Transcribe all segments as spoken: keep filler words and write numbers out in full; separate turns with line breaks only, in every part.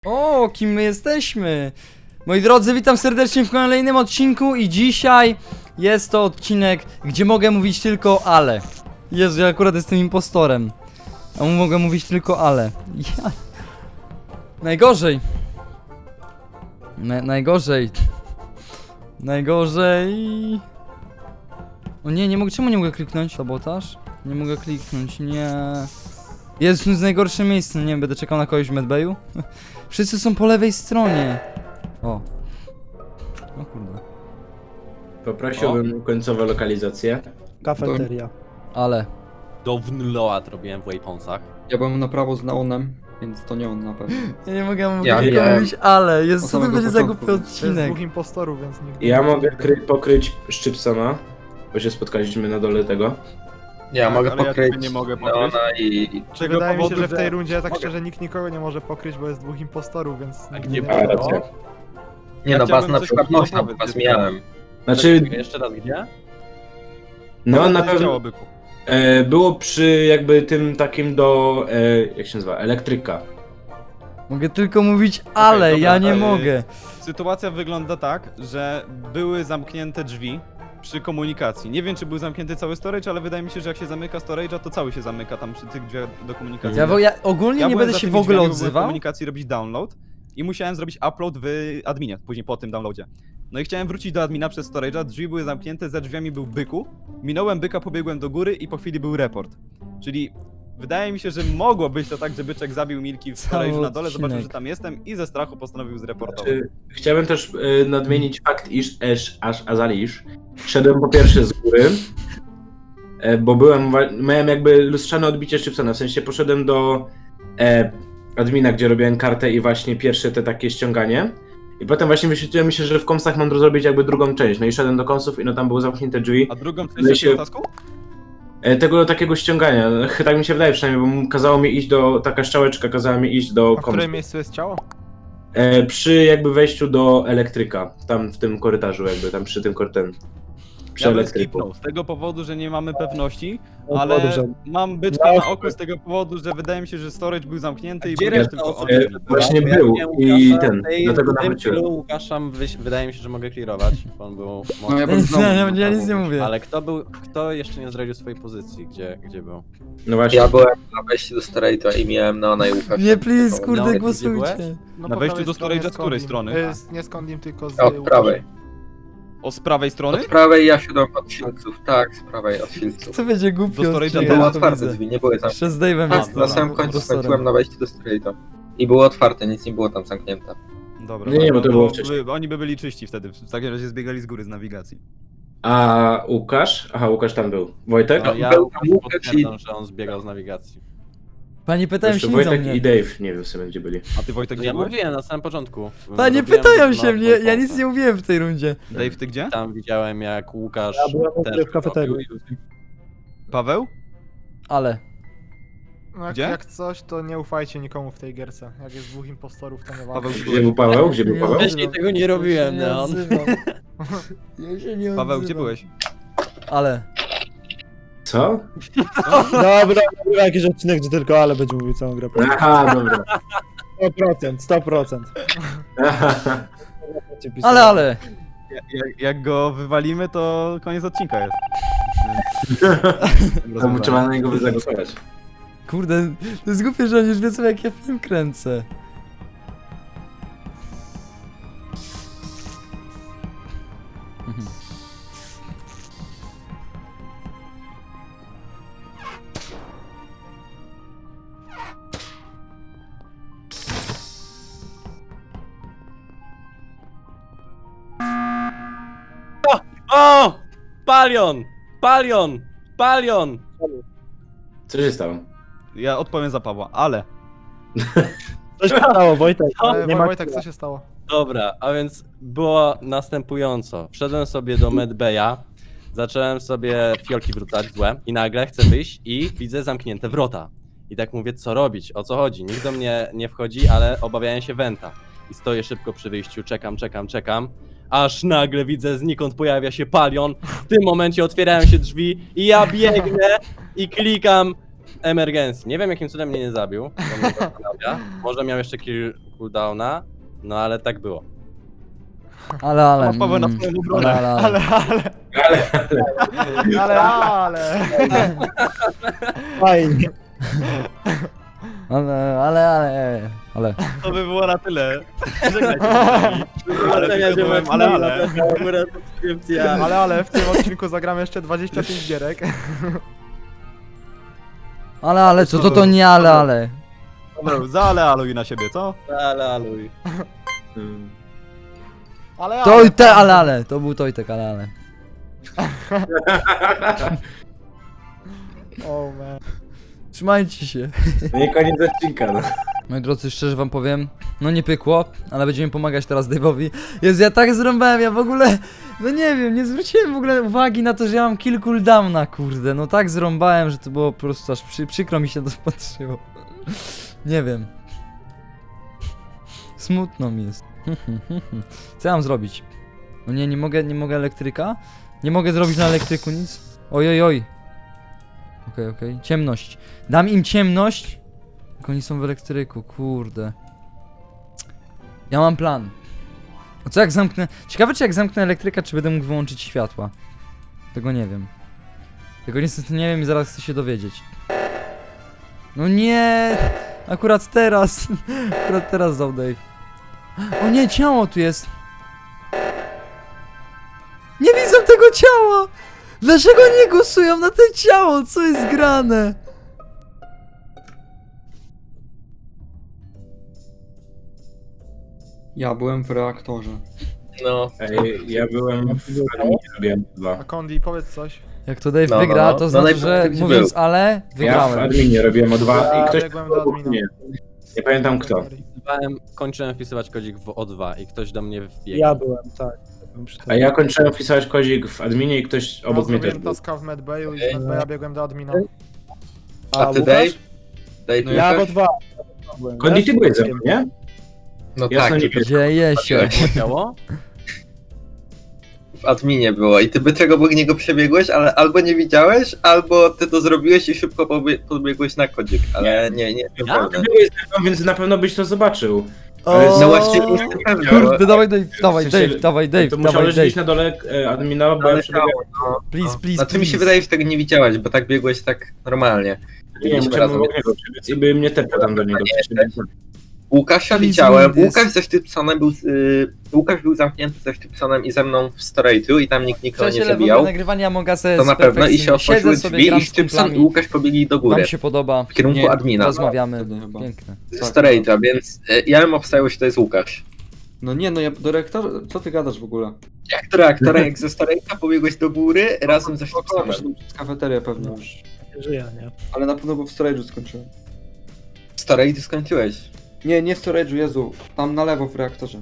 O, kim my jesteśmy? Moi drodzy, witam serdecznie w kolejnym odcinku i dzisiaj jest to odcinek, gdzie mogę mówić tylko ale. Jezu, ja akurat jestem impostorem. A mu mogę mówić tylko ale. Ja... Najgorzej. Na, najgorzej. Najgorzej. O nie, nie mogę, czemu nie mogę kliknąć? Sabotaż? Nie mogę kliknąć, nie. Jest to jest najgorsze miejsce, nie wiem, będę czekał na kogoś w medbayu. Wszyscy są po lewej stronie. O. O kurde.
Poprosiłbym końcowe lokalizacje.
Kafeteria.
Ale.
Do Wnloat robiłem w Wayponsach.
Ja byłem na prawo z Neonem, więc to nie on na pewno.
Ja nie mogę mówić,
Ja
tylko
wiem.
mówić ale. Jest,
Od
co to
samego
będzie za
początku.
głupi
To jest
odcinek?
dwóch impostorów, więc nigdy
Ja
nie
mogę
wiem.
kry pokryć Szczypsona, bo się spotkaliśmy na dole tego.
Ja
Tak,
mogę
ale ja
pokryć
tego nie mogę pokryć.
Neona i...
Z tego
Wydaje mi się,
powodu,
że w tej rundzie tak
Mogę.
szczerze nikt nikogo nie może pokryć, bo jest dwóch impostorów, więc...
A
nigdy
gdzie
nie
A,
wiadomo.
racja.
Nie
Ja
no, was
chciałbym
na
coś
przykład
powiedzieć,
można, bo
powiedz,
was
gdzie
miałem.
Znaczy,
Jeszcze raz gdzie?
no na
To jest ciało
pewno
byku.
e, było przy jakby tym takim do, e, jak się nazywa, elektryka.
Mogę tylko mówić ale,
dobra,
ja nie
ale-
mogę.
Sytuacja wygląda tak, że były zamknięte drzwi przy komunikacji. Nie wiem, czy był zamknięty cały storage, ale wydaje mi się, że jak się zamyka storage'a, to cały się zamyka tam przy tych drzwiach do komunikacji.
Ja, wo- ja ogólnie
Ja
nie
byłem
będę
za
się
tymi
w ogóle
drzwiami, bo byłem w
odzywał.
komunikacji robić download i musiałem zrobić upload w adminie, później po tym downloadzie. No i chciałem wrócić do admina przez storage'a, drzwi były zamknięte, za drzwiami był byku, minąłem byka, pobiegłem do góry i po chwili był report. Czyli wydaje mi się, że mogło być to tak, że byczek zabił Milki w
Cały
storage'u na dole, zobaczył,
odcinek.
że tam jestem i ze strachu postanowił zreportować.
Znaczy, chciałbym też e, nadmienić fakt, iż Esz, aż Azalisz szedłem po pierwsze z góry, e, bo byłem, wa- miałem jakby lustrzane odbicie Szczypsona, w sensie poszedłem do e, admina, gdzie robiłem kartę i właśnie pierwsze te takie ściąganie. I potem właśnie wyświetliło mi się, że w komsach mam zrobić jakby drugą część. No i szedłem do komsów i no tam były zamknięte drzwi.
A drugą część
No i się-
jakiego tasku?
E, tego takiego ściągania. Tak mi się wydaje przynajmniej, bo kazało mi iść do, taka strzałeczka kazała mi iść do
A w
komsów.
którym miejscu jest ciało?
E, przy jakby wejściu do elektryka. Tam w tym korytarzu jakby, tam przy tym korytem. Przy
Ja bym
elektryku.
skipnął, z tego powodu, że nie mamy pewności,
No,
ale
dobrze.
mam byczka na oku z tego powodu, że wydaje mi się, że storage był zamknięty i
Gdzie
był
reszta
tylko
osób?
on.
E, właśnie
Ja
był
wiem,
i
Łukasza,
ten,
tej-
dlatego
w tym
nawróciłem.
chwilę Łukasza wyś- wydaje mi się, że mogę clearować, bo on był
No ja bym
Nie,
znowu...
ja, ja nic nie mówię.
Ale kto był, kto jeszcze nie zdradził swojej pozycji, gdzie, gdzie był?
No właśnie.
Ja byłem na wejściu do Storage'a i miałem Neona i Łukasza.
Nie, please,
No,
kurde,
gdzie
głosujcie.
byłeś?
No,
Na
po
wejściu
prawej
do
stronie
storage'a z której
Skondim.
strony?
Y, z- Nie Skondim, tylko z...
Od
Łukaszem.
prawej.
O, z prawej strony?
Od prawej ja siadłem od Filców. Tak, z prawej od Filców.
Co będzie głupio
Do storage'a
odcinek,
Były
ja to
otwarte
widzę.
drzwi, nie były zamknięte.
Jeszcze z Dave'em
Tak,
jest
na samym końcu skończyłem na wejściu do Storage'a. I było otwarte, nic nie było tam zamknięte.
Dobra,
Nie, nie, bo to
no
było wcześniej.
by, oni by byli czyści wtedy, w takim razie zbiegali z góry z nawigacji.
A Łukasz? Aha, Łukasz tam był. Wojtek?
No, ja
był tam Łukasz
potwierdzam, że on zbiegał z nawigacji.
Panie pytają
Jeszcze
się nic o
Wojtek i
mnie.
Dave, nie wiem w sumie gdzie byli.
A ty Wojtek gdzie
Ja
byłeś?
mówiłem na samym początku.
Panie
Robiłem
pytają
na
się mnie, ja nic
Wayponsach.
nie mówiłem w tej rundzie.
Dave, ty gdzie?
Tam widziałem jak Łukasz
Ja byłem u
też
góry w kafeterii.
robił i-
Paweł?
Ale.
No jak,
Gdzie?
jak coś, to nie ufajcie nikomu w tej gierce. Jak jest dwóch impostorów, to nie warto.
Paweł,
Gdzie był Paweł? Gdzie był Paweł?
Wcześniej tego nie robiłem,
Ja się
Neon.
odzywam. Ja się nie
Paweł,
odzywam.
gdzie byłeś?
Ale.
Co?
Dobra, dobra, jakiś odcinek, gdzie tylko ale będzie mówił całą grę.
Aha, dobra.
sto procent, sto procent.
Ale, ale.
Jak, jak go wywalimy, to koniec odcinka jest. Więc...
Tam trzeba na niego zagłosować.
Kurde, to jest głupie, że oni już wiedzą jak ja film kręcę. Mhm.
O! Palion! Palion! Palion!
Co się stało?
Ja odpowiem za Pawła, ale...
Co się stało, Wojtek?
Ale
Nie ma Wojtek, co się stało?
Dobra, a więc było następująco. Wszedłem sobie do Medbaya, zacząłem sobie fiolki wrzucać złe i nagle chcę wyjść i widzę zamknięte wrota. I tak mówię, co robić, o co chodzi? Nikt do mnie nie wchodzi, ale obawiałem się Wenta. I stoję szybko przy wyjściu, czekam, czekam, czekam. Aż nagle widzę, znikąd pojawia się Palion. W tym momencie otwierają się drzwi i ja biegnę i klikam emergencji. Nie wiem, jakim cudem mnie nie zabił. To mnie zastanawia. Może miał jeszcze kill cooldowna, no ale tak było.
Ale, ale.
Masz Paweł na
mm,
swoją obronę.
ale, ale.
Ale, ale,
Ale,
ale, ale.
Fajnie.
Ale, ale, ale, ale.
To by było na tyle. Żegnajcie się. Ale tylko byłem, ale, ale.
Ale, ale w tym odcinku zagramy jeszcze dwadzieścia pięć gierek.
Ale, ale, co to to nie ale, ale.
Paweł, zaalealuj na siebie, co?
Ale aluj.
Ale,
To
ale.
i te, ale, ale. To był Tojtek, ale, ale.
Oh man.
Trzymajcie się.
no nie koniec odcinka, no.
Moi drodzy, szczerze wam powiem, no nie pykło, ale będziemy pomagać teraz Dave'owi. Jezu, ja tak zrąbałem, ja w ogóle, no nie wiem, nie zwróciłem w ogóle uwagi na to, że ja mam kill cooldowna, kurde. No tak zrąbałem, że to było po prostu aż przy, przykro mi się to patrzyło. Nie wiem. Smutno mi jest. Co ja mam zrobić? No nie, nie mogę, nie mogę elektryka? Nie mogę zrobić na elektryku nic? Oj, oj, oj. Okej, okej. Ciemność. Dam im ciemność. Jak oni są w elektryku, kurde. Ja mam plan. A co jak zamknę... Ciekawe, czy jak zamknę elektryka, czy będę mógł wyłączyć światła. Tego nie wiem. Tego niestety nie wiem i zaraz chcę się dowiedzieć. No nie! Akurat teraz. Akurat teraz dał Dave. O nie, ciało tu jest. Nie widzę tego ciała! Dlaczego nie głosują na to ciało? Co jest grane?
Ja byłem w reaktorze.
No,
Ej, ja byłem w adminie, robiłem
A
dwa.
Kondi, powiedz coś.
Jak to Dave
No, no,
wygra,
no.
to
No
znaczy,
najpierw
że
ty gdzie
mówiąc
był?
ale,
Ja w
wygrałem.
adminie robiłem o dwa
Ja
i ktoś
biegłem do
obok
admina.
mnie. Nie pamiętam kto.
Wpisywałem, kończyłem wpisywać kodzik w O dwa i ktoś do mnie wbiegł.
Ja byłem, tak. Byłem przy
A
tobie.
ja kończyłem wpisywać kozik w adminie i ktoś obok mnie też
zrobiłem
był.
taska w medbayu i z medbaya biegłem do admina.
a ty
Łukasz?
Dave? Dave
No ja
Łukasz?
w dwa. byłem,
Kondi,
wiesz?
ty byłeś ze mną, nie?
No
Jasno
tak,
nie
tylko
Dzieje się.
Ciało?
w adminie było i ty by czego obok niego przebiegłeś, ale albo nie widziałeś, albo ty to zrobiłeś i szybko pobie- podbiegłeś na kodzik, ale nie, nie,
Ty
naprawdę.
byłeś ze mną, więc na pewno byś to zobaczył.
O,
Ale
No właśnie nie jestem pewny,
Kurde, dawaj Dave, dawaj
W sensie,
Dave, dawaj
To
Dave,
musiałeś
dawaj
gdzieś
Dave.
na dole e, admina, bo ja
ale
przebiegałem.
Please, please,
Znaczy mi się
please.
wydaje, że tego nie widziałeś, bo tak biegłeś tak normalnie.
Nie,
Biegliśmy
musiałem
razem.
obok niego przebiec i by mnie tepał tam do niego.
Łukasza
Please
widziałem,
win this.
Łukasz ze Sztypsonem był, z- y, Łukasz był zamknięty ze Sztypsonem i ze mną w storage'u i tam nikt nikogo nie
Przyjaciele, w ogóle
zabijał.
nagrywania Amongasa
To
jest
na pewno i się
perfekcyjne.
otworzyły
Siedzę sobie,
drzwi
gram
i
z
Sztypson i
kumplami.
Łukasz pobiegli do góry.
Wam się podoba.
W kierunku
Nie,
admina.
Rozmawiamy.
Wtedy chyba.
Piękne.
Ze storage'a, więc y, ja bym obstawiał, że to jest Łukasz.
No nie, no ja do reaktora... Co ty gadasz w ogóle?
Jak do reaktora, jak ze storage'a pobiegłeś do góry razem ze Sztypsonem.
Wyszedłem przez kafeterię pewnie już.
Nie żyję, nie?
Ale na pewno bo w storage'u skończyłem.
W storage'u skończyłeś.
Nie, nie w storage'u, Jezu. Tam na lewo w reaktorze.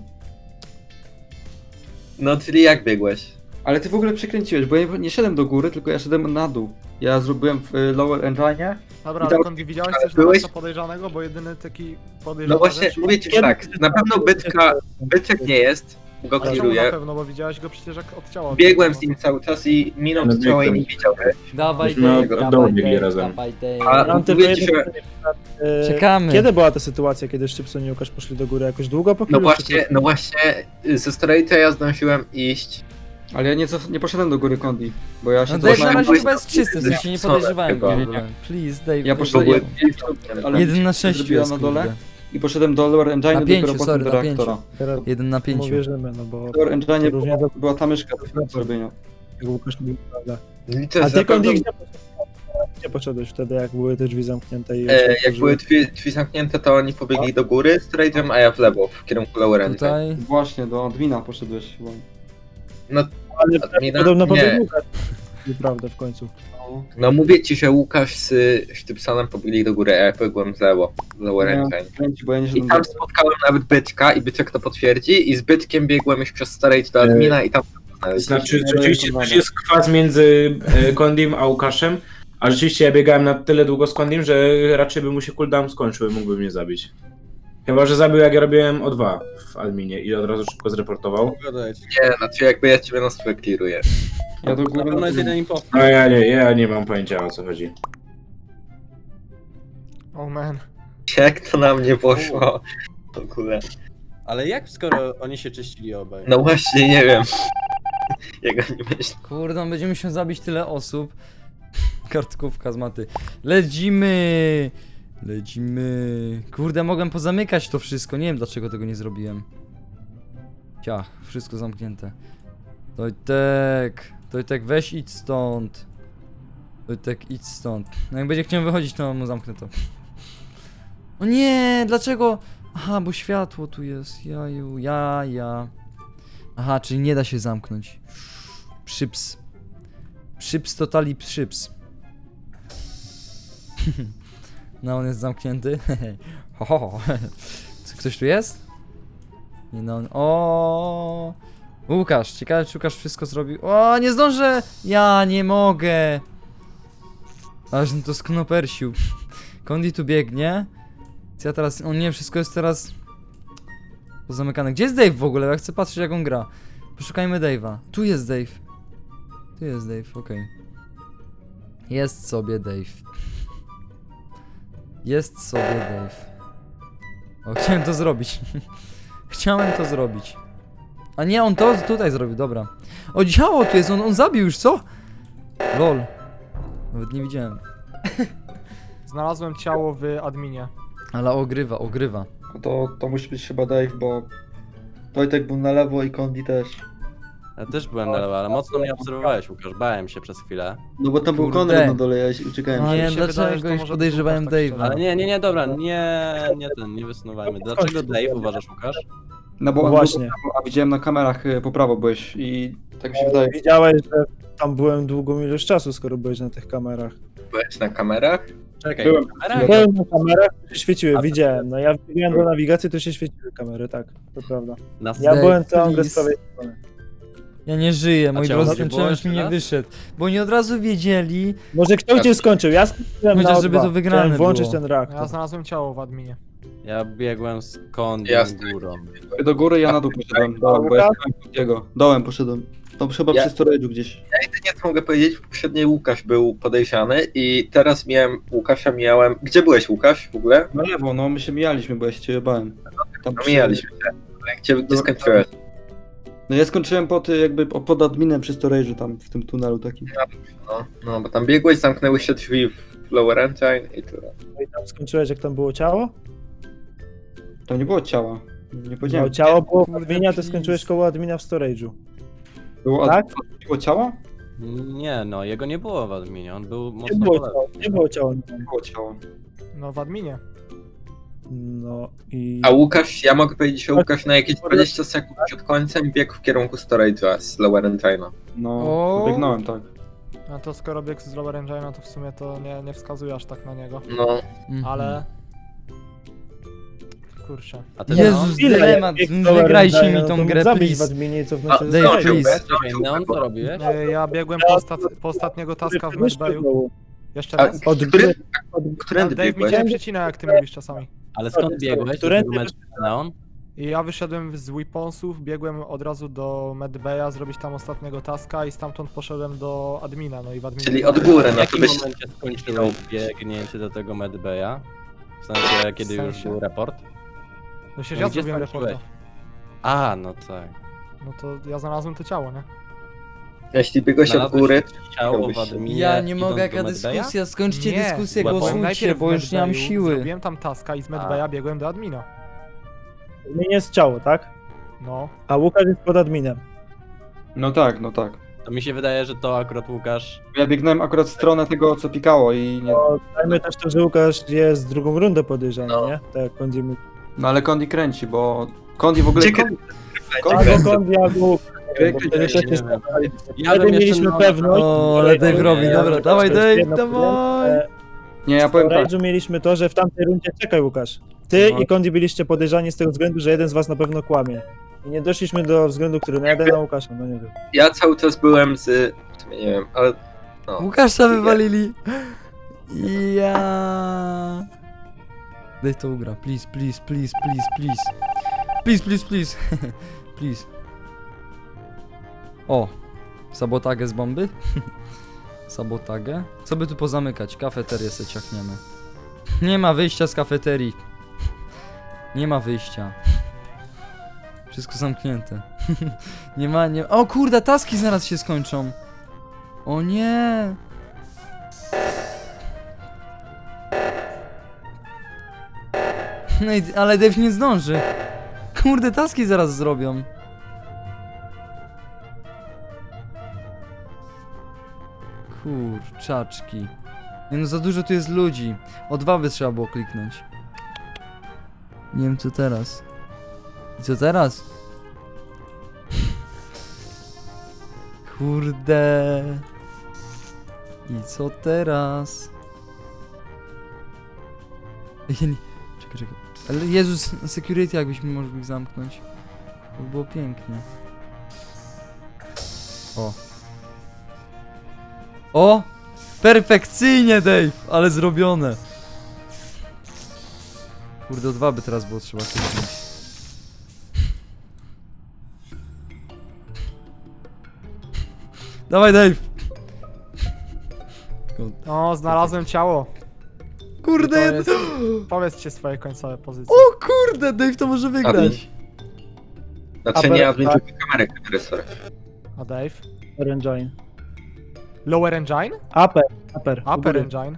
No, czyli jak biegłeś?
Ale ty w ogóle przekręciłeś, bo ja nie, nie szedłem do góry, tylko ja szedłem na dół. Ja zrobiłem w y, lower engine.
Dobra,
I tam-
ale Kondi, widziałeś
ale
coś na
byłeś-
maksa podejrzanego? Bo jedyny taki podejrzany
No właśnie,
rzecz...
mówię ci tak, na pewno bytka, byczek nie jest, go
Ale czemu na
clearuję.
pewno, bo widziałeś go przecież jak od ciała.
Biegłem z nim cały czas i minął
No,
z ciała i
biegłem.
nie widział.
Dawaj
Myśmy
Dave,
od dołu
dawaj
biegli
Dave,
razem.
dawaj
A-
Dave.
Mam tylko
mówię ci,
jedno
że-
pytanie, e,
Czekamy.
Kiedy była ta sytuacja, kiedy Szczypson i Łukasz poszli do góry? Jakoś długo po
No
chwili,
właśnie, no właśnie, ze storage'a ja zdążyłem iść.
Ale ja nie, cof- nie poszedłem do góry Kondi, bo ja się
No Dave na
cofnąłem-
razie
byłeś
chyba jest czysty, w sensie nie
Chyba.
podejrzewałem go w
Chyba.
ogóle. Please Dave.
Ja
Dave,
poszedłem,
Dave.
ale
Jeden na sześciu
zrobiła
jest,
na dole
kurde.
i poszedłem do lower engine
Na
i
pięciu,
dopiero
sorry,
potem do
na pięciu.
reaktora.
Teraz
Jeden na
mu
pięciu.
wierzymy, no bo
W lower engine
Różnie
była,
do-
była ta myszka do zrobienia.
jak Łukasz mówił, prawda.
Liczę,
A
że
ty
na pewno,
Kondi, gdzie poszedłeś? Gdzie poszedłeś wtedy, jak były te drzwi zamknięte i
e, jak
otworzyły?
były drzwi, drzwi zamknięte, to oni pobiegli do góry storage'em, a ja w lewo, w kierunku lower engine.
Tutaj.
Właśnie, do admina poszedłeś chyba.
Ale
Admina?
podobno
Nie.
pobiegł Łukasz. Nieprawda w końcu.
No.
No mówię ci, że Łukasz z Sztypsonem pobiegli do góry, a ja pobiegłem w lewo, w lower
Nie,
engine.
kręci, bo ja nie
I
szedłem
tam
do...
spotkałem nawet Byczka i Byczek to potwierdzi i z Byczkiem biegłem już przez storage do admina i tam
Znaczy, rzeczywiście też jest kwas między e, Kondim a Łukaszem, a rzeczywiście ja biegałem na tyle długo z Kondim, że raczej by mu się cooldown skończył i mógłby mnie zabić. Chyba, że zabił jak ja robiłem o dwa w adminie i od razu szybko zreportował.
nie, znaczy jakby ja ciebie na stówę clearuję.
Ja do
Na
góry
pewno
na
jest jeden impostor.
No ja nie, ja nie mam pojęcia o co chodzi.
Oh man.
Jak to na mnie poszło? W ogóle.
Ale jak skoro oni się czyścili obaj?
No właśnie, nie wiem. Jak oni myślą.
Kurde, on będzie musiał zabić tyle osób. Kartkówka z maty. Lecimy! Lecimy. Kurde, mogłem pozamykać to wszystko. Nie wiem, dlaczego tego nie zrobiłem. Ciach, wszystko zamknięte. Tojtek, Tojtek, weź idź stąd. Tojtek, idź stąd. No jak będzie chciał wychodzić, to mu zamknę to. O nie, dlaczego? Aha, bo światło tu jest. Jaju, ja, ja. Aha, czyli nie da się zamknąć. Przyps. Przyps totali przyps. No, on jest zamknięty. Ho, ho, ho. Co, ktoś tu jest? Nie no, on... O, Łukasz, ciekawe czy Łukasz wszystko zrobił. O, nie zdążę! Ja nie mogę! Aż to sknopersił. Kondi tu biegnie. Co ja teraz... O nie, wszystko jest teraz... pozamykane. Gdzie jest Dave w ogóle? Ja chcę patrzeć jak on gra. Poszukajmy Dave'a. Tu jest Dave. Tu jest Dave, okej. Jest sobie Dave. Jest sobie Dave. O, chciałem to zrobić. Chciałem to zrobić. A nie, on to tutaj zrobił, dobra. O, działo tu jest, on, on zabił już, co? Lol. Nawet nie widziałem.
Znalazłem ciało w adminie.
Ale ogrywa, ogrywa.
No to, to musi być chyba Dave, bo Tojtek był na lewo i Kondi też.
Ja też byłem na lewo, ale mocno mnie obserwowałeś, Łukasz. Bałem się przez chwilę.
No bo tam był
Kurde.
Konrad na dole, ja się- uciekałem.
No,
Nie,
mi się wydaje, że
dlaczego
to
już
może
podejrzewałem
być Łukasz, tak
Dave'a?
Ale nie, nie, nie, dobra, nie, nie ten, nie wysuwajmy. Dlaczego Dave uważasz, Łukasz?
No bo
No
on
właśnie.
był po prawo, a widziałem na kamerach y, po prawo byłeś i tak mi się wydaje.
Widziałeś, że tam byłem długą ilość czasu, skoro byłeś na tych kamerach.
Byłeś na kamerach?
Czekaj,
Byłem.
kamera?
Byłem na kamerach, to się świeciły, widziałem. No ja wbiegłem do nawigacji, to się świeciły kamery, tak, to prawda.
Na
Ja
Dave,
byłem całą grę
please.
z prawej strony.
Ja nie żyję, moi
ciało
drodzy,
nie
ten
było
challenge
jeszcze
mi nie
raz?
wyszedł. Bo oni od razu wiedzieli.
Może kto cię skończył? Ja skończyłem
Chociaż
na
żeby
O dwa.
to wygrane
Chciałem włączyć
było.
ten
Ja
reaktor.
znalazłem ciało w adminie.
Ja biegłem z Kondim
Jasne.
górą.
Do góry, ja na dół poszedłem. Dołem, bo ja szukałem Kondiego. Dołem poszedłem. To chyba
Ja-
przy storage'u gdzieś.
Jedynie co mogę powiedzieć, poprzedniej Łukasz był podejrzany i teraz miałem Łukasza, miałem... Gdzie byłeś, Łukasz, w ogóle?
Na lewo, no my się mijaliśmy, bo ja się ciebie bałem. Tam
No
przy-
mijaliśmy się. Gdzie, gdzie
No,
skończyłeś?
No ja skończyłem po ty, jakby po- pod adminem przy storage'u tam, w tym tunelu takim.
No, no, bo tam biegłeś, zamknęły się drzwi w Lower Engine i tyle.
No i tam skończyłeś, jak tam było ciało?
Tam nie było ciała. Nie
No,
powiedziałem.
ciało było w
Kurde,
adminie, a ty
please.
skończyłeś koło admina w storage'u.
Było,
tak?
ad... było ciała?
Nie no, jego nie było w adminie, on był
Nie
mocno
było
po lewo.
ciała, nie było ciała.
Nie było ciała.
No w adminie.
No i...
A Łukasz, ja mogę powiedzieć, że Łukasz na jakieś dwadzieścia sekund przed końcem biegł w kierunku Storage'a z Lower Engine'a.
No,
O.
pobiegnąłem, tak.
No to skoro biegł z Lower Engine'a, to w sumie to nie, nie wskazuje aż tak na niego.
No,
Mhm.
Ale... Kurczę.
A ty
Jezus,
Ile?
dylemat,
Jak
wygrajcie
Lower
mi
Engine,
tą
no to
grę,
mógł zabić w
please.
adminie i cofnąć
A,
się do
Dave,
zdążył,
please.
bez-
Czekaj, Neon, co robiłeś?
E, Ja biegłem po, ostat... po ostatniego taska w Medbayu. Jeszcze
A,
raz?
Od
który,
gry,
którędy
Dave mi
biegłeś?
cię przycina, jak ty mówisz czasami.
Ale skąd biegłeś? Do
Które-
tego meczu Neon?
I ja wyszedłem z Weaponsów, biegłem od razu do Medbaya, zrobić tam ostatniego taska i stamtąd poszedłem do admina, no i w adminie...
Czyli od góry,
W
no to
jakim
byś...
momencie skończyłeś biegnięcie do tego medbaya? W sensie, kiedy już
sensie?
był raport?
No przecież
No
ja
gdzie
zrobiłem
skończyłeś?
reporta.
A, no tak.
No to ja znalazłem to ciało, nie?
Jeśli biegłeś od
Znalazłeś
góry,
ciało w
biegłeś.
adminie.
Ja nie
idąc
mogę,
do
jaka
medbaya?
dyskusja, skończcie
Nie,
dyskusję,
byłem
głosujcie,
najpierw
bo
w
już nie mam
Medbayu
siły.
Zrobiłem tam taska i z Medbaya biegłem do admina.
w adminie jest ciało, tak?
No.
A Łukasz jest pod adminem.
No tak, no tak.
To mi się wydaje, że to akurat Łukasz.
Ja biegnąłem akurat w stronę tego, co pikało i nie...
No, dajmy też to, że Łukasz jest drugą rundę podejrzany,
No.
nie? Tak jak Kondi mówi.
No ale Kondi kręci, bo... Kondi w ogóle...
Gdzie-
Kondi... Kondi
Albo
kręci.
Kondi, albo Łukasz.
Gry
Bo
kręci.
wtedy też
nie
jest...
wiem. Ja
Wtedy
bym jeszcze
mieliśmy
Neona-
pewność...
O, ale Dave
że-
robi,
że-
dobra,
że-
dawaj
to jest
Dave,
jedna
dawaj.
e,
Nie, ja powiem tak.
W Storage'u mieliśmy to, że w tamtej rundzie... Czekaj Łukasz. Ty
No.
i Kondi byliście podejrzani z tego względu, że jeden z was na pewno kłamie. I nie doszliśmy do względu, który na jeden na Łukasza, no nie wiem.
ja cały czas byłem z... w sumie nie wiem, ale... No.
Łukasza wywalili. Ja. Daj to ugra, please, please, please, please, please. Please, please, please. Please. O, sabotagę z bomby? Sabotagę? Co by tu pozamykać? Kafeterię se ciachniemy. Nie ma wyjścia z kafeterii. Nie ma wyjścia. Wszystko zamknięte. Nie ma, nie... O kurde, taski zaraz się skończą. O nie. No i, ale Dave nie zdąży. Kurde, taski zaraz zrobią. Kurczaczki. Nie no, za dużo tu jest ludzi. O dwa by trzeba było kliknąć. Nie wiem co teraz. I co teraz? Kurde. I co teraz? Ja nie... Czekaj, czekaj. Ale Jezus, security jakbyśmy mogli zamknąć. To by było pięknie. O. O! Perfekcyjnie, Dave! Ale zrobione. Kurde, o dwa by teraz było trzeba kliknąć. Dawaj, Dave!
No, znalazłem ciało.
Kurde,
I to
jedno...
jest- Powiedzcie swoje końcowe pozycje.
O kurde, Dave to może wygrać.
Znaczy
Aber-
nie admin,
tak.
tylko kamerę, kamerę, sorry.
A Dave?
Upper engine.
Lower engine?
Upper, upper. u
Upper
góry.
engine?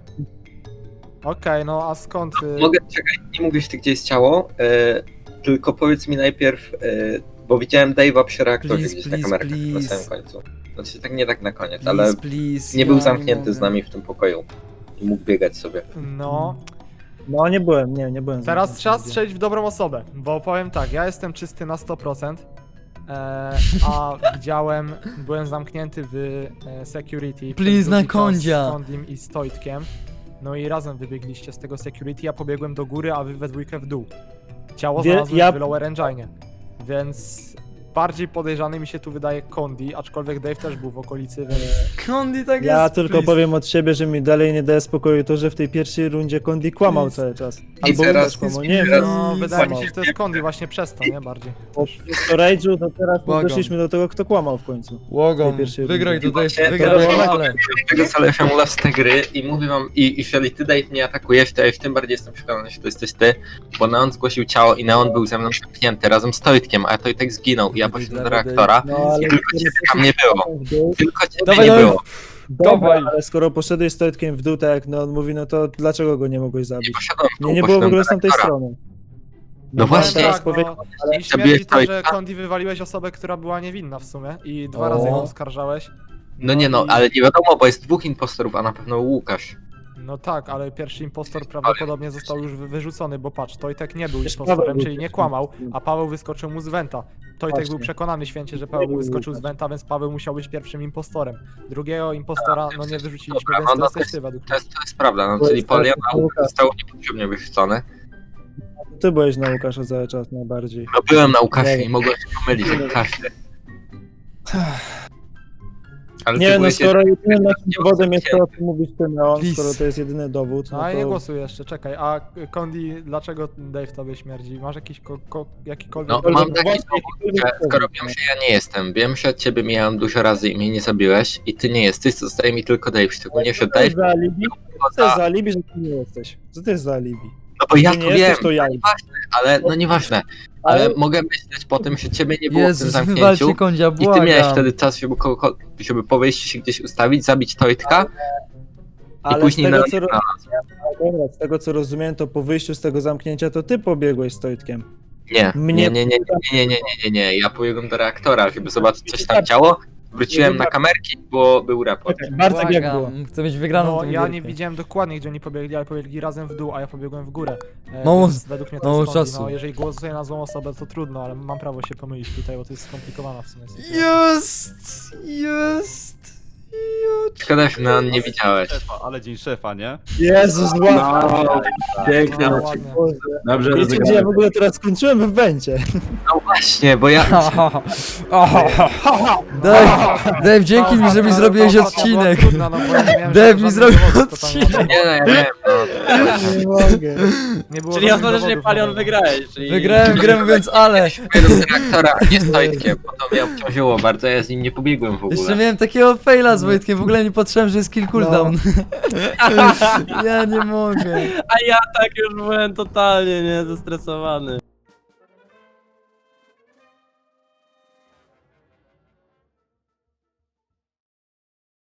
Okej, no a skąd... y,
Mogę, czekaj, nie mówisz ty gdzie jest ciało, e, tylko powiedz mi najpierw, e, bo widziałem Dave'a przy reaktorze
Please,
gdzieś
please,
na kamerkach na
please.
samym końcu. Znaczy tak nie tak na koniec,
Please,
ale
please,
nie był
ja
zamknięty
mogę.
z nami w tym pokoju. I mógł biegać sobie.
No,
No nie byłem, nie, nie byłem.
teraz
zamknięty
trzeba
nigdzie.
strzelić w dobrą osobę, bo powiem tak, ja jestem czysty na sto procent, e, a widziałem, byłem zamknięty w e, security.
Please,
przez
na
długi czas
kondzia.
Z Kondim i Stoitkiem. No i razem wybiegliście z tego security, ja pobiegłem do góry, a wy we dwójkę w dół. Ciało
Wie-
znalazłem
ja-
w lower engine, więc bardziej podejrzany mi się tu wydaje Kondi, aczkolwiek Dave też był w okolicy, więc...
Kondi tak
Ja
jest,
tylko
please.
powiem od siebie, że mi dalej nie daje spokoju to, że w tej pierwszej rundzie Kondi kłamał
Please.
cały czas.
I
Albo
teraz-
Łukasz kłamał, nie wiem.
teraz-
No, wydaje mi się,
kłamał.
że to jest Kondi właśnie przez to, nie? Bardziej.
Po storage'u to teraz
Błagam.
doszliśmy do tego, kto kłamał w końcu.
Łogą,
tej pierwszej
wygraj
rundzie.
tutaj,
Właśnie,
wygraj
to-
ale.
Tego zależy mu z tej gry i mówię wam, i jeżeli ty Dave mnie atakujesz, to ja już tym bardziej jestem przekonany, że to jesteś ty, bo Neon zgłosił ciało i Neon był ze mną zamknięty razem z Toitkiem, a Toitek zginął i ja poszedłem do reaktora.
No ale...
Tylko ciebie tam nie było. Tylko ciebie
Dawaj,
nie
dawaj.
było.
Dobra,
Dawaj.
ale skoro poszedłeś z Toitkiem w dół, tak jak no on mówi, no to dlaczego go nie mogłeś
Nie
zabić?
poszedłem w dół,
Nie, nie było w
poszedłem
ogóle
do
z tamtej
reaktora.
strony.
No właśnie.
teraz
tak,
powie...
no, i
zabiłeś
śmierdzi to, że
Toyka.
Kondi wywaliłeś osobę, która była niewinna w sumie i dwa
O.
razy ją oskarżałeś.
No nie no,
i-
ale nie wiadomo, bo jest dwóch impostorów, a na pewno Łukasz.
No tak, ale pierwszy impostor prawdopodobnie został już wy- wyrzucony, bo patrz, Tojtek nie był
Przecież
impostorem,
Paweł
czyli
był
nie kłamał, a Paweł wyskoczył mu z Wenta. Tojtek
Właśnie.
był przekonany święcie, że Paweł
był
wyskoczył z
Łukasz.
Wenta, więc Paweł musiał być pierwszym impostorem. Drugiego impostora no nie wyrzuciliśmy,
Dobra,
więc
no,
to
no
jesteś
to
ty według
To
mnie.
jest, to jest prawda, no
To
czyli
jest tak,
Poliana
to Łukasz.
został niepotrzebnie wyrzucony.
Ty byłeś na Łukasza cały czas najbardziej.
No byłem na Łukaszu
Nie
i mogłem się pomylić jak każdy. Ale
Nie
ty
no,
byłeś
skoro
jedynym,
jedynym naszym
nie
dowodem jest to, o
zamknięty.
czym mówisz ty, Neon,
Please.
skoro to jest jedyny dowód,
No
no
a nie
to...
głosuj jeszcze, czekaj, a Kondi, dlaczego Dave tobie śmierdzi? Masz jakiś ko- ko- jakikolwiek...
No
Dobra,
mam
no
taki
właśnie,
dowód, że skoro wiem, że ja nie jestem, wiem, że od ciebie mijałem dużo razy i mnie nie zabiłeś i ty nie jesteś, to zostaje mi tylko Dave, szczególnie, że
Co to jest
Dave
za alibi? Co to
za...
jest za alibi, że ty nie jesteś? Co to jest za alibi?
No bo ja
Ty
to
nie
wiem,
jesteś, to ja.
ale no nieważne. Ale
Ale-
mogę myśleć po tym, że ciebie nie było w tym
Jezus,
zamknięciu
wywalcie Kondzia,
i ty miałeś
błagam.
wtedy czas, żeby, kogo, żeby po wyjściu się gdzieś ustawić, zabić Tojtka
Ale
i
z
później
tego,
na...
co, ro- dobra, z tego co rozumiem, to po wyjściu z tego zamknięcia to ty pobiegłeś z Tojtkiem.
Nie,
Mnie-
nie, nie, nie, nie, nie, nie, nie, nie, ja pobiegłem do reaktora, żeby zobaczyć coś tam działo, wróciłem na kamerki, bo był raport.
Bartek jak było?
Błagam, chcę mieć wygraną
No
tą
ja nie
gierkę.
widziałem dokładnie, gdzie oni pobiegli, ale pobiegli razem w dół, a ja pobiegłem w górę. E,
Mało-
więc według mnie to
mało
jest Kondi.
czasu.
No jeżeli głosuję na złą osobę, to trudno, ale mam prawo się pomylić tutaj, bo to jest skomplikowana w sumie sytuacja.
Jest! Jest!
Szkoda, że Neon nie widziałeś.
Szefa, ale dzień szefa, nie?
Jezus, łapka.
Pięknie,
No,
no,
ładnie.
dobrze
Wiecie, gdzie ja w
rozegrane.
ogóle teraz skończyłem w Wencie.
No właśnie, bo ja...
Dave, Dave, dzięki mi, że mi zrobiłeś odcinek. Dave mi zrobił odcinek.
Nie no, ja wiem, no.
Nie mogę.
Nie było
Czyli
żadnych
ostatecznie
dowodów
Palion
na to.
wygrałeś, czyli...
Wygrałem grę mówiąc ale.
Pobiegłem do reaktora, nie z Tojtkiem, bo to mnie obciążyło bardzo, ja z nim nie pobiegłem w
Jeszcze
ogóle.
miałem takiego faila z Wojtkiem, w ogóle nie patrzyłem, że jest kill cooldown. Ja nie mogę.
A ja tak już byłem totalnie, nie, zestresowany.